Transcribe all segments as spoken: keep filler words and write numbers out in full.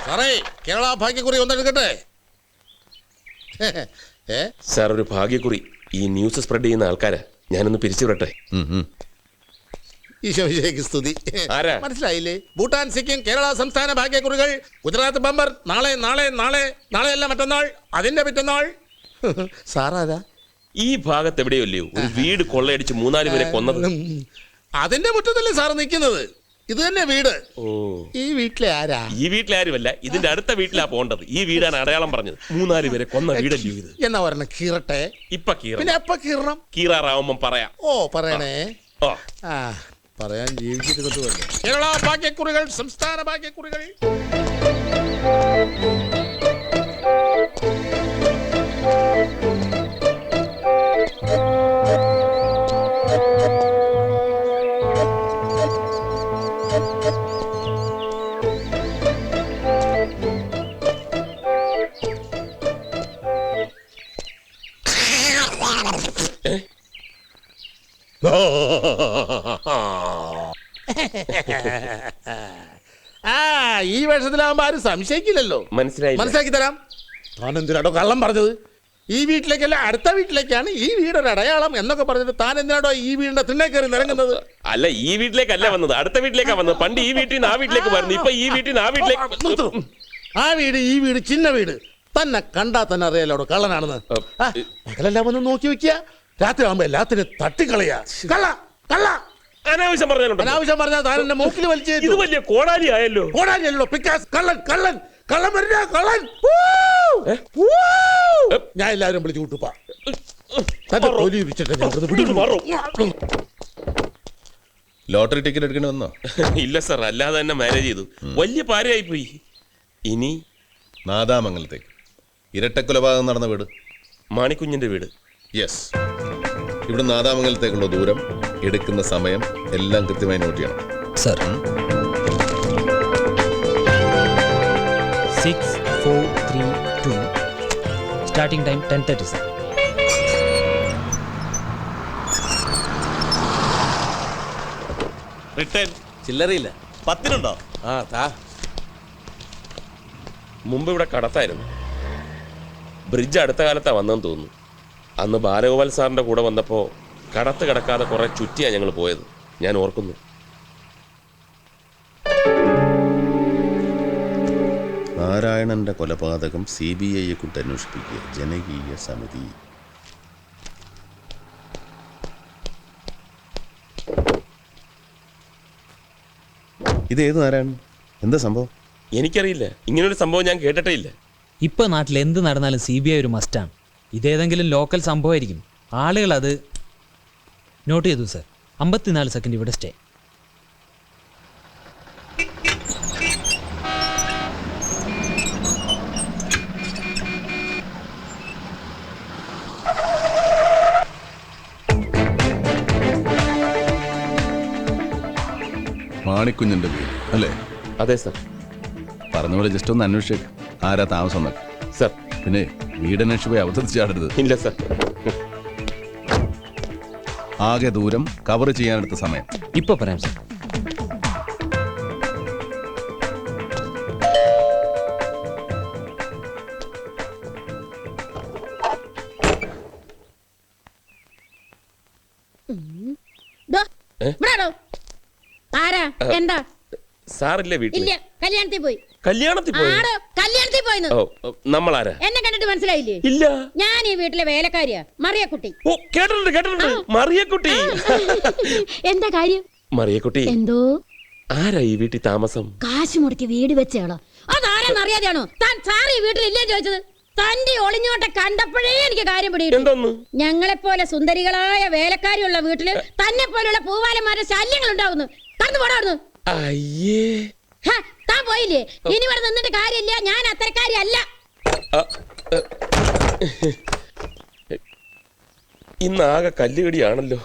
സാറേ കേരള ഭാഗ്യക്കുറി ഒന്നെടുക്കട്ടെ. സാർ ഒരു ഭാഗ്യക്കുറി. ഈ ന്യൂസ് സ്പ്രെഡ് ചെയ്യുന്ന ആൾക്കാരാ, ഞാനൊന്ന് പിരിച്ചു വിടട്ടെ. ഈശോയ്ക്ക് സ്തുതി. മനസ്സിലായില്ലേ? ഭൂട്ടാൻ, സിക്കിം, കേരള സംസ്ഥാന ഭാഗ്യക്കുറികൾ. ഗുജറാത്ത് ബമ്പർ നാളെ നാളെ നാളെ നാളെയല്ല മറ്റന്നാൾ, അതിന്റെ പിറ്റന്നാൾ. സാറാരാ? ഈ ഭാഗത്ത് എവിടെയല്ലയോ ഒരു വീട് കൊള്ളയടിച്ച് മൂന്നാല് പേരെ കൊന്നത്. അതിന്റെ മുറ്റത്തല്ലേ സാറ് നിൽക്കുന്നത്? ഇത് തന്നെ വീട്. ഓ, ഈ വീട്ടിലെ ആരാ? ഈ വീട്ടിലെ ആരുമല്ല, ഇതിന്റെ അടുത്ത വീട്ടിലാ പോണ്ടത്. ഈ വീടാണ് അടയാളം പറഞ്ഞത്. മൂന്നാല് പേരെ കൊന്ന വീടല്ലയോ ഇത്? എന്നാ പറഞ്ഞ കീറട്ടെ. ഇപ്പൊ കീറ. പിന്നെ എപ്പ കീറണം? കീറാറാവുമ്പം പറയാം. ഓ പറയണേ. ഓ ആ പറയാൻ ജീവിച്ചിരുന്നിട്ട് വന്നു. കേരള ഭാഗ്യക്കുറികൾ, സംസ്ഥാന ഭാഗ്യക്കുറികൾ. ആ ഈ വേഷത്തിലാവുമ്പോ ആരും സംശയിക്കില്ലല്ലോ. മനസ്സിലായി, മനസ്സിലാക്കി തരാം. താൻ എന്തിനാടോ കള്ളം പറഞ്ഞത്? ഈ വീട്ടിലേക്കല്ല അടുത്ത വീട്ടിലേക്കാണ് ഈ വീടൊരു അടയാളം എന്നൊക്കെ പറഞ്ഞിട്ട് താൻ എന്തിനാടോ ഈ വീടിന്റെ തിണ്ണേ കയറി നിറങ്ങുന്നത്? അല്ല, ഈ വീട്ടിലേക്കല്ല വന്നത്, അടുത്ത വീട്ടിലേക്കാ വന്നത്. പണ്ട് ഈ വീട്ടിൽ നിന്ന് ആ വീട്ടിലേക്ക് വരുന്നു, ഇപ്പൊ ഈ വീട്ടിൽ നിന്ന് ആ വീട്ടിലേക്ക്. ആ വീട് ഈ വീട് ചിന്ന വീട് തന്നെ കണ്ടാ തന്നെ അറിയാലോടോ കള്ളനാണെന്ന്. പകലെല്ലാം ഒന്ന് നോക്കി വെക്കുക, രാത്രി ആവുമ്പോ എല്ലാത്തിനും തട്ടിക്കളയാ. കള്ള കള്ള അനാവശ്യം പറഞ്ഞാലുണ്ട്. അനാവശ്യം പറഞ്ഞാൽ താൻ എന്റെ മൂക്കിൽ വലിച്ചു. ഇത് വലിയ കോടാലി ആയല്ലോ. കോടാലി അല്ലോ, പിക്കാസ്. കള്ളൻ കള്ളൻ കള്ളൻ വരുന്ന കള്ളൻ. ഞാൻ എല്ലാവരും വിളിച്ചു കൂട്ടുപ്പാ. ലോട്ടറി ടിക്കറ്റ് എടുക്കേണ്ടി വന്നോ? ഇല്ല സാർ, അല്ലാതെ തന്നെ മാനേജ് ചെയ്തു. വലിയ പാരയായി പോയി. ഇനി നാദാമംഗലത്തേക്ക് ഇരട്ടക്കൊലപാതകം നടന്ന വീട് മാണിക്കുഞ്ഞിന്റെ വീട്. യെസ്. ഇവിടെ നാദാമംഗലത്തേക്കുള്ള ദൂരം, എടുക്കുന്ന സമയം എല്ലാം കൃത്യമായി നോട്ട് ചെയ്യണം sir. Six four three two starting time ten thirty sir. Return ചില്ലറയില്ല. പത്തിനുണ്ടോ? ആ താ. മുമ്പ് ഇവിടെ കടത്തായിരുന്നു. ബ്രിഡ്ജ് അടുത്ത കാലത്താ വന്നെന്ന് തോന്നുന്നു. അന്ന് ബാലഗോപാൽ സാറിന്റെ കൂടെ വന്നപ്പോ കടത്ത് കിടക്കാതെ കുറെ ചുറ്റിയാ ഞങ്ങൾ പോയത്, ഞാൻ ഓർക്കുന്നു. നാരായണന്റെ കൊലപാതകം സി ബി ഐയെ കൊണ്ട് അന്വേഷിപ്പിക്കുക, ജനകീയ സമിതി. ഇതേത് നാരായണൻ? എന്താ സംഭവം? എനിക്കറിയില്ല, ഇങ്ങനൊരു സംഭവം ഞാൻ കേട്ടിട്ടേ ഇല്ല. ഇപ്പൊ നാട്ടിൽ എന്ത് നടന്നാലും സി ബി ഐ ഒരു മസ്റ്റാണ്. ഇതേതെങ്കിലും ലോക്കൽ സംഭവമായിരിക്കും. ആളുകൾ അത് നോട്ട് ചെയ്തു സർ. അമ്പത്തിനാല് സെക്കൻഡ് ഇവിടെ സ്റ്റേ. മാണിക്കുഞ്ഞിന്റെ വീട് അല്ലേ? അതെ സർ. പറഞ്ഞ പോലെ ജസ്റ്റ് ഒന്ന് അന്വേഷിച്ചേക്ക്, ആരാ താമസം എന്നൊക്കെ. സർ. പിന്നെ വീടന്വേഷിച്ച് പോയി അവതരിച്ച് ചാടരുത്. ഇല്ല സർ. ആകെ ദൂരം കവർ ചെയ്യാനെടുത്ത സമയം ഇപ്പൊ പറയാം സർ. എന്താ സാറില്ലേ വീട്ടിൽ? ഇല്ല, കല്യാണത്തിൽ പോയി. കല്യാണത്തിൽ പോയി? കല്യാണത്തിൽ പോയിന്ന്. ഓ, നമ്മളാരാ? എന്നെ കണ്ടിട്ട് മനസ്സിലായില്ലേ? ഇല്ല. ഞാൻ ഈ വീട്ടിലെ വേലക്കാരിയാ, മറിയക്കുട്ടി. ഓ, കേട്ടിട്ടുണ്ട് കേട്ടിട്ടുണ്ട്. മറിയക്കുട്ടി. എന്താ കാര്യം? മറിയക്കുട്ടി, എന്തോ? ആരാ ഈ വീട്ടിൽ താമസം? കാശ് മുടക്കി വീട് വെച്ചാളോ? അതാരാന്ന് അറിയാതെയാണോ താൻ സാർ ഈ വീട്ടിൽ ഇല്ലേ ചോദിച്ചത്? തന്റെ ഒളിഞ്ഞോട്ടെ കണ്ടപ്പോഴേ എനിക്ക് കാര്യം പിടിയിട്ടു. ഞങ്ങളെപ്പോലെ സുന്ദരികളായ വേലക്കാരിയുള്ള വീട്ടില് തന്നെ പോലുള്ള പൂവാലന്മാരുടെ ശല്യങ്ങൾ ഉണ്ടാവുന്നു. കടന്നു പോടാവുന്നു. അയ്യേ, താൻ പോയില്ലേ? ഇനി ഇവിടെ നിന്നിട്ട് കാര്യമില്ല. ഞാൻ അത്തരക്കാരി അല്ല. ഇന്നാകെ കല്ലുകടിയാണല്ലോ.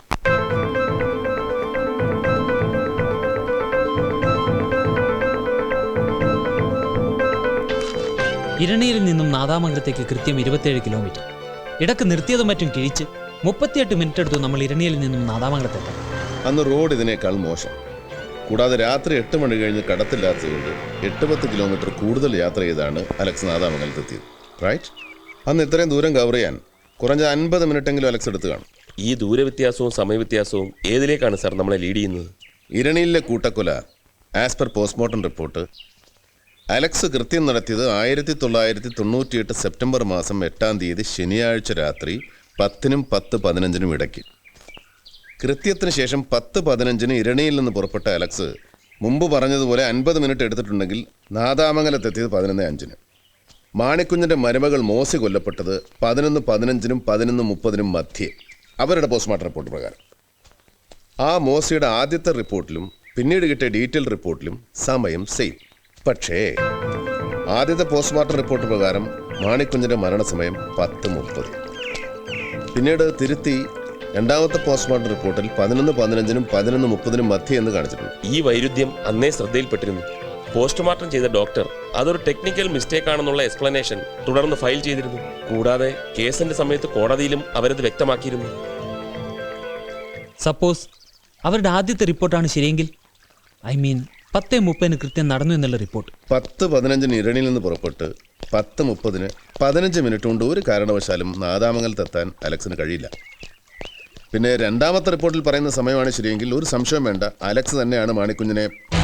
ഇരണിയിൽ നിന്നും നാദാമംഗലത്തേക്ക് കൃത്യം ഇരുപത്തിയേഴ് കിലോമീറ്റർ. ഇടക്ക് നിർത്തിയതും മറ്റും കിഴിച്ച് മുപ്പത്തിയെട്ട് മിനിറ്റ് എടുത്തു നമ്മൾ ഇരണിയിൽ നിന്നും നാദാമംഗലത്തെത്താം. അന്ന് റോഡ് ഇതിനേക്കാൾ മോശം. കൂടാതെ രാത്രി എട്ട് മണി കഴിഞ്ഞ് കടത്തില്ലാത്തതുകൊണ്ട് എട്ട് പത്ത് കിലോമീറ്റർ കൂടുതൽ യാത്ര ചെയ്താണ് അലക്സ് നാദാമംഗലത്തെത്തിയത്. റൈറ്റ്? അന്ന് ഇത്രയും ദൂരം കവർ ചെയ്യാൻ കുറഞ്ഞ അൻപത് മിനിറ്റെങ്കിലും അലക്സ് എടുത്ത് കാണും. ഈ ദൂരവ്യത്യാസവും സമയവ്യത്യാസവും ഏതിലേക്കാണ് സാർ നമ്മളെ ലീഡ് ചെയ്യുന്നത്? ഇരണിയിലെ കൂട്ടക്കൊല as per postmortem report Alex കൃത്യം നടത്തിയത് ആയിരത്തി തൊള്ളായിരത്തി തൊണ്ണൂറ്റിയെട്ട് സെപ്റ്റംബർ മാസം എട്ടാം തീയതി ശനിയാഴ്ച രാത്രി പത്തിനും പത്ത് പതിനഞ്ചിനും ഇടയ്ക്ക്. കൃത്യത്തിന് ശേഷം പത്ത് പതിനഞ്ചിന് ഇരണിയിൽ നിന്ന് പുറപ്പെട്ട അലക്സ് മുമ്പ് പറഞ്ഞതുപോലെ അൻപത് മിനിറ്റ് എടുത്തിട്ടുണ്ടെങ്കിൽ നാദാമംഗലത്തെത്തിയത് പതിനൊന്ന് അഞ്ചിന്. മാണിക്കുഞ്ഞിൻ്റെ മരുമകൾ മോസി കൊല്ലപ്പെട്ടത് പതിനൊന്ന് പതിനഞ്ചിനും പതിനൊന്ന് മുപ്പതിനും മധ്യേ അവരുടെ പോസ്റ്റ്മോർട്ടം റിപ്പോർട്ട് പ്രകാരം. ആ മോസിയുടെ ആദ്യത്തെ റിപ്പോർട്ടിലും പിന്നീട് കിട്ടിയ ഡീറ്റെയിൽ റിപ്പോർട്ടിലും സമയം സെയിം. പക്ഷേ ആദ്യത്തെ പോസ്റ്റ്മോർട്ടം റിപ്പോർട്ട് പ്രകാരം മാണിക്കുഞ്ഞിൻ്റെ മരണസമയം പത്ത് മുപ്പത്. പിന്നീട് തിരുത്തി രണ്ടാമത്തെ പോസ്റ്റ്മോർട്ടം റിപ്പോർട്ടിൽ പതിനൊന്ന് പതിനഞ്ചിനും പതിനൊന്ന് മുപ്പതിനും മധ്യ എന്ന് കാണിച്ചിട്ടുണ്ട്. ഈ വൈരുദ്ധ്യം അന്നേ ശ്രദ്ധയിൽപ്പെട്ടിരുന്നു. പോസ്റ്റ്മോർട്ടം ചെയ്ത ഡോക്ടർ അതൊരു ടെക്നിക്കൽ മിസ്റ്റേക്ക് ആണെന്നുള്ള എക്സ്പ്ലനേഷൻ തുടർന്ന് ഫയൽ ചെയ്തിരുന്നു. കൂടാതെ കേസിന്റെ സമയത്ത് കോടതിയിലും അവരത് വ്യക്തമാക്കിയിരുന്നു. സപ്പോസ് അവരുടെ ആദ്യത്തെ റിപ്പോർട്ടാണ് ശരിയെങ്കിൽ, ഐ മീൻ പത്ത് മുപ്പതിന് കൃത്യം നടന്നു എന്നുള്ള റിപ്പോർട്ട്. പത്ത് പതിനഞ്ചിന് ഇരണിയിൽ നിന്ന് പുറപ്പെട്ട് പത്ത് മുപ്പതിന് പതിനഞ്ച് മിനിറ്റ് കൊണ്ട് ഒരു കാരണവശാലും നാദാമംഗലത്തെത്താൻ അലക്സിന് കഴിയില്ല. പിന്നെ രണ്ടാമത്തെ റിപ്പോർട്ടിൽ പറയുന്ന സമയമാണ് ശരിയെങ്കിൽ ഒരു സംശയം വേണ്ട, അലക്സ് തന്നെയാണ് മാണിക്കുഞ്ഞിനെ.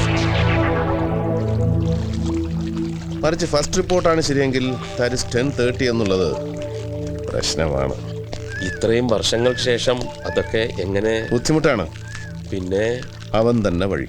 മറിച്ച് ഫസ്റ്റ് റിപ്പോർട്ടാണ് ശരിയെങ്കിൽ ദാറ്റ് ഇസ് ടെൻ തേർട്ടി എന്നുള്ളത് പ്രശ്നമാണ്. ഇത്രയും വർഷങ്ങൾക്ക് ശേഷം അതൊക്കെ എങ്ങനെ? ബുദ്ധിമുട്ടാണ്. പിന്നെ അവൻ തന്നെ വഴി.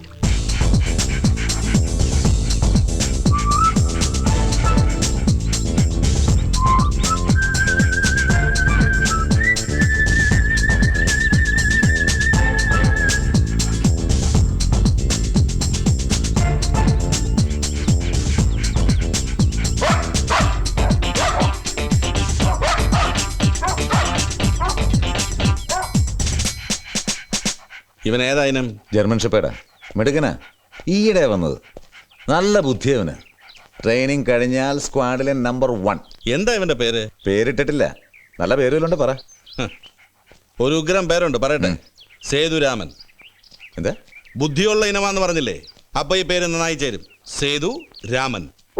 ഇവൻ ഏതായാലും ജർമ്മൻ ഷെപ്പേഡാ, മിടുക്കനാ, ഈയിടെ വന്നത്. നല്ല ബുദ്ധിയവന്. ട്രെയിനിങ് കഴിഞ്ഞാൽ സ്ക്വാഡിലെ നമ്പർ വൺ. എന്താ ഇവന്റെ പേര്? പേരിട്ടിട്ടില്ല, നല്ല പേരുകളുണ്ട്, പറ. ഒരു ഉഗ്രം പേരുണ്ട്, പറയട്ടെ. സേതുരാമൻ. എന്താ? ബുദ്ധിയുള്ള ഇനമാന്ന് പറഞ്ഞില്ലേ, അപ്പൊ ഈ പേര് നന്നായി ചേരും. സേതു രാമൻ.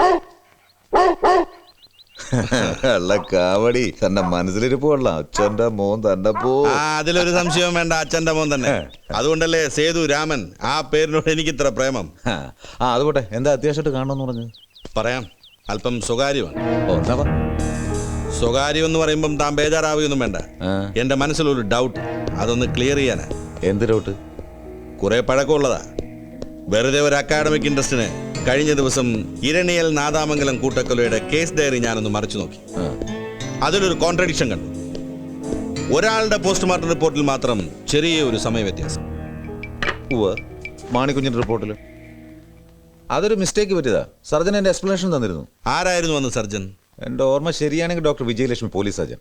അല്ല കാവടി, തന്റെ മനസ്സിലിരിപ്പ് കൊള്ളാം. അച്ഛന്റെ മോൻ തന്നെ പോ. ആ, അതിലൊരു സംശയവും വേണ്ട, അച്ഛന്റെ മോൻ തന്നെ. അതുകൊണ്ടല്ലേ സേതു രാമൻ. ആ പേരിനോട് എനിക്ക് ഇത്ര പ്രേമം. ആ അത് പോട്ടെ, എന്താ അത്യാവശ്യമായിട്ട് കാണണമെന്ന് പറഞ്ഞു? പറയാം, അല്പം സ്വകാര്യമാണ്. ഓ എന്നാ പറ. സ്വകാര്യം എന്ന് പറയുമ്പം താൻ ബേജാറാവുകയൊന്നും വേണ്ട. ആ. എന്റെ മനസ്സിലൊരു ഡൗട്ട്, അതൊന്ന് ക്ലിയർ ചെയ്യാനാ. എന്ത് ഡൗട്ട്? കുറെ പഴക്കമുള്ളതാ. വെറുതെ ഒരു അക്കാഡമിക് ഇൻട്രസ്റ്റിന് കഴിഞ്ഞ ദിവസം ഇരണിയൽ നാദാമംഗലം കൂട്ടക്കൊലയുടെ കേസ് ഡയറി ഞാനൊന്ന് മറിച്ചു നോക്കി. അതിലൊരു കോൺട്രഡിക്ഷൻ കണ്ടു. ഒരാളുടെ പോസ്റ്റ്മോർട്ടം റിപ്പോർട്ടിൽ മാത്രം ചെറിയ ഒരു സമയ വ്യത്യാസം. ഉവ്വ്, മാണിക്കുഞ്ഞിന്റെ റിപ്പോർട്ടിൽ അതൊരു മിസ്റ്റേക്ക് പറ്റിയതാ. സർജൻ എന്റെ എക്സ്പ്ലനേഷൻ തന്നിരുന്നു. ആരായിരുന്നു അന്ന് സർജൻ? എന്റെ ഓർമ്മ ശരിയാണെങ്കിൽ ഡോക്ടർ വിജയലക്ഷ്മി, പോലീസ് സർജൻ.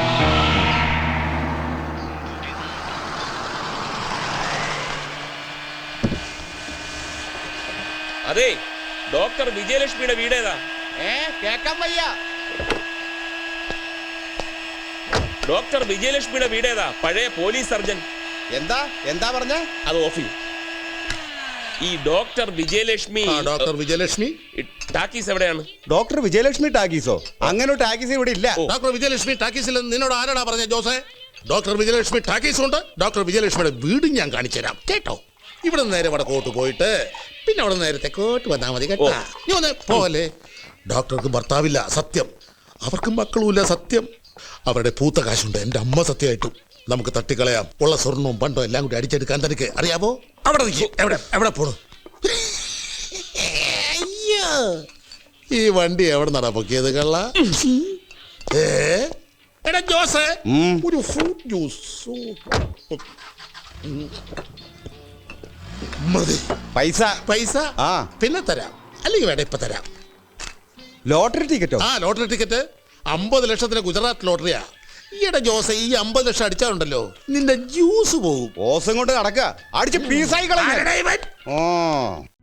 അതെ, ഡോക്ടർ വിജയലക്ഷ്മിയുടെ വീടേതാ? ഡോക്ടർ വിജയലക്ഷ്മിയുടെ വീടേതാ? പഴയ പോലീസ് സർജൻ. എന്താ എന്താ പറഞ്ഞ? അത് ഓഫ് ചെയ്യും. ഈ doctor Vijayalakshmi. Doctor Vijayalakshmi talkies എവിടെയാണ്? ഡോക്ടർ വിജയലക്ഷ്മി ടാക്കീസോ? അങ്ങനെ ഒരു ടാക്കീസ് ഇവിടെ ഇല്ല. ഡോക്ടർ വിജയലക്ഷ്മി ടാക്കീസിൽ നിന്നോട് ആരാടാ പറഞ്ഞ ജോസേ? ഡോക്ടർ വിജയലക്ഷ്മി ടാക്കീസ് ഉണ്ട്. ഡോക്ടർ വിജയലക്ഷ്മിയുടെ വീടും ഞാൻ കാണിച്ചു തരാം കേട്ടോ. ഇവിടെ നിന്ന് നേരെ വടക്കോട്ട് പോയിട്ട് പിന്നെ അവിടെ നേരെ തെക്കോട്ട് വന്നാൽ മതി കേട്ടോ. നീ ഒന്ന് പോലെ. ഡോക്ടർക്ക് ഭർത്താവില്ല, സത്യം. അവർക്ക് മക്കളുമില്ല, സത്യം. അവരുടെ പൂത്ത കാശുണ്ട്, എൻ്റെ അമ്മ സത്യമായിട്ടും. നമുക്ക് തട്ടിക്കളയാം. ഉള്ള സ്വർണവും പണ്ടോ എല്ലാം കൂടി അടിച്ചെടുക്കാൻ തനിക്ക് അറിയാവോ? അവിടെ നിൽക്കും. എവിടെ എവിടെ പോണു? അയ്യോ, ഈ വണ്ടി എവിടെ നടാ പൊക്കിയത് കള്ള? ഏ എടാ ജോസേ, ഒരു ഫ്രൂട്ട് ജ്യൂസ് മതി. പൈസ പൈസ ആ പിന്നെ തരാം, അല്ലെങ്കിൽ വേണ്ട ഇപ്പൊ തരാം. ലോട്ടറി ടിക്കറ്റോ? ആ ലോട്ടറി ടിക്കറ്റ് അമ്പത് ലക്ഷത്തിന് ഗുജറാത്ത് ലോട്ടറിയാ. ഈയിടെ ജോസ ഈ അമ്പത് ലക്ഷം അടിച്ചാലുണ്ടല്ലോ നിന്റെ ജ്യൂസ് പോകും. ഓസം കൊണ്ട് നടക്കുക, അടിച്ച് പീസായി കളഞ്ഞ.